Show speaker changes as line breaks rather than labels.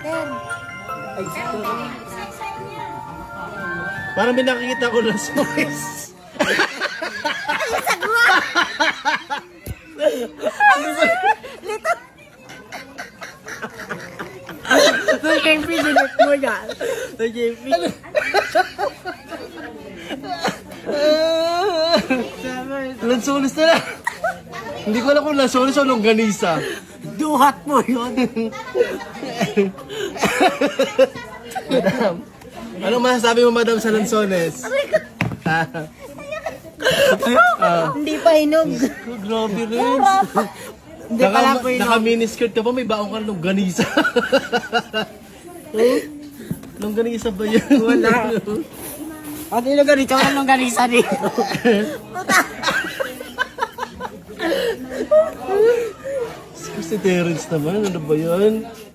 Ay,
Parang may nakikita ko na source.
Ito JP, dinit mo yan. Ito JP.
Lansones na lang. Hindi ko alam kung lansones o longganisa.
Duhat mo yun.
Madam, ano masasabi mo, madam, sa lansones?
Hindi pa hinog.
Grabe rin.
Hindi pala ko hinog.
Naka-miniskirt ka pa, may baong ka ng longganisa. Longganisa ba yun?
Wala. At ino ganito ka nung ganisa dito.
Si Terence naman, ano ba yan?